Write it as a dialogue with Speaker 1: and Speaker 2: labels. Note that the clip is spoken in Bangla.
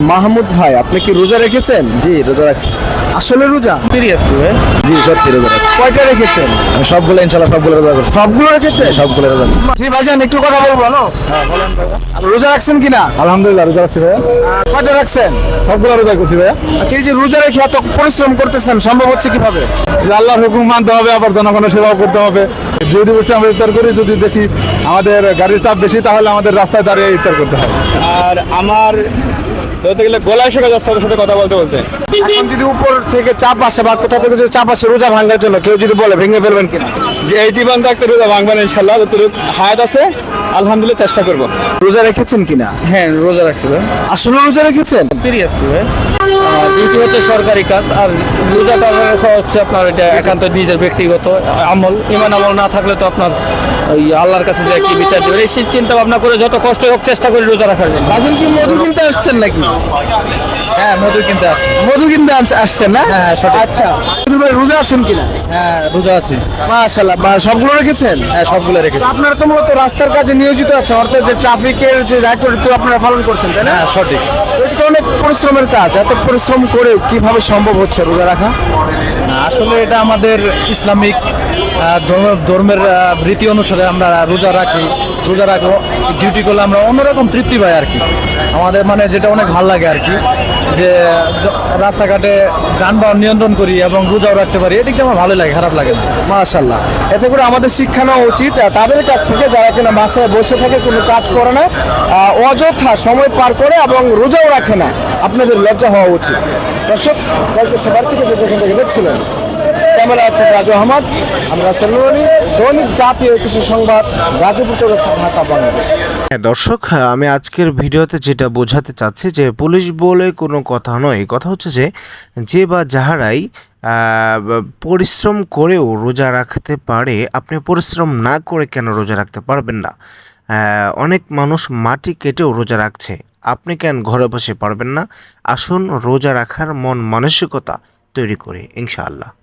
Speaker 1: মাহমুদ ভাই, আপনি কি রোজা রেখেছেন?
Speaker 2: জি রোজা রাখছি।
Speaker 1: আসলে রোজা
Speaker 3: সিরিয়াসলি ভাই?
Speaker 2: জি সত্যি রোজা রাখছি।
Speaker 1: কয়টা রেখেছেন?
Speaker 2: আমি সবগুলো ইনশাল্লাহ সবগুলো রোজা করছি।
Speaker 1: সবগুলো রেখেছেন?
Speaker 2: সবগুলো রোজা করছি।
Speaker 1: জি ভাইজান, একটু কথা বলবো না? আপনি রোজা রাখছেন কিনা?
Speaker 2: আলহামদুলিল্লাহ রোজা রাখছি ভাইয়া।
Speaker 1: কয়টা রাখছেন?
Speaker 2: সবগুলো রোজা করছি ভাইয়া।
Speaker 1: আচ্ছা, এই যে রোজা রেখে এত পরিশ্রম করতেছেন, সম্ভব হচ্ছে কিভাবে?
Speaker 2: আল্লাহর হুকুম মানতে হবে, আবার জনগণের সেবাও করতে হবে। যদি বসে আমরা ইফতার করি, যদি দেখি আমাদের গাড়ির চাপ বেশি, তাহলে আমাদের রাস্তায় দাঁড়িয়ে ইফতার করতে হবে।
Speaker 4: আর আমার ধরতে গেলে গলায় শুকে যাচ্ছে ওদের সাথে কথা বলতে বলতে।
Speaker 1: এখন যদি উপর থেকে চাপ আসে বা কোথা থেকে যদি চাপ আসে রোজা ভাঙার জন্য, কেউ যদি বলে ভেঙে ফেলবেন কিনা?
Speaker 4: যে এই জীবন থাকতে রোজা ভাঙবেন ইনশাল্লাহ, যতটুকু হায়াত আছে আলহামদুলিল্লাহ চেষ্টা করবো।
Speaker 1: রোজা রেখেছেন কিনা?
Speaker 3: হ্যাঁ রোজা রাখছি ভাই।
Speaker 1: আসলে রোজা রেখেছেন?
Speaker 3: সিরিয়াসলি ভাই? ডিউটি হচ্ছে সরকারি কাজ, আর রোজাটা হচ্ছে আপনার এটা একান্ত নিজের ব্যক্তিগত আমল। ইমান আমল না থাকলে তো আপনার ওই আল্লাহর কাছে যে কি বিচার দেবেন এই চিন্তা ভাবনা করে যত কষ্ট হোক চেষ্টা করি রোজা রাখার জন্য।
Speaker 1: ভাইজান কি মধু কিনতে আসছেন নাকি?
Speaker 3: হ্যাঁ মধু কিনতে আসছি।
Speaker 1: মধু কিনতে আসছেন না?
Speaker 3: হ্যাঁ, সঠিক।
Speaker 1: আচ্ছা, ভাই রোজা আছেন কিনা?
Speaker 3: হ্যাঁ রোজা আছি।
Speaker 1: মাশাআল্লাহ, সবগুলো রেখেছেন?
Speaker 3: হ্যাঁ সবগুলো রেখেছি।
Speaker 1: আপনারা তো মূলত রাস্তার কাজে নিয়োজিত আছেন, অর্থাৎ যে ট্রাফিকের যে দায়িত্ব আপনারা পালন করছেন, তাই না?
Speaker 3: হ্যাঁ সঠিক।
Speaker 1: এটা তো অনেক পরিশ্রমের কাজ। এত পরিশ্রম করে কিভাবে সম্ভব হচ্ছে রোজা রাখা?
Speaker 3: আসলে এটা আমাদের ইসলামিক ধর্মের রীতি অনুসারে আমরা রোজা রাখি। রোজা রাখো ডিউটি করলে আমরা অন্যরকম তৃপ্তি পাই আর কি। আমাদের মানে যেটা অনেক ভালো লাগে আর কি, যে রাস্তাঘাটে যানবাহন নিয়ন্ত্রণ করি এবং রোজাও রাখতে পারি, এদিকে আমার ভালো লাগে, খারাপ লাগে না।
Speaker 1: মাশাআল্লাহ, এতে করে আমাদের শিক্ষা নেওয়া উচিত তাদের কাছ থেকে যারা কিনা বাসায় বসে থাকে, কোনো কাজ করে না, অযথা সময় পার করে এবং রোজাও রাখে না। আপনাদের লজ্জা হওয়া উচিত। দর্শক, সেবার থেকে যেখান থেকে দেখছিলেন, ক্যামেরা আছে রাজু আহমদ, আমরা সেলুনি দৈনিক জাতীয় কিছু সংবাদ, গাজীপুর চৌরাস্তা, ঢাকা, বাংলাদেশ।
Speaker 5: হ্যাঁ দর্শক, আমি আজকের ভিডিওতে যেটা বোঝাতে চাচ্ছি যে পুলিশ বলে কোনো কথা নয়। কথা হচ্ছে যে বা যাহারাই পরিশ্রম করেও রোজা রাখতে পারে, আপনি পরিশ্রম না করে কেন রোজা রাখতে পারবেন না? অনেক মানুষ মাটি কেটেও রোজা রাখছে, আপনি কেন ঘরে বসে পারবেন না? আসুন রোজা রাখার মন মানসিকতা তৈরি করে, ইনশাআল্লাহ।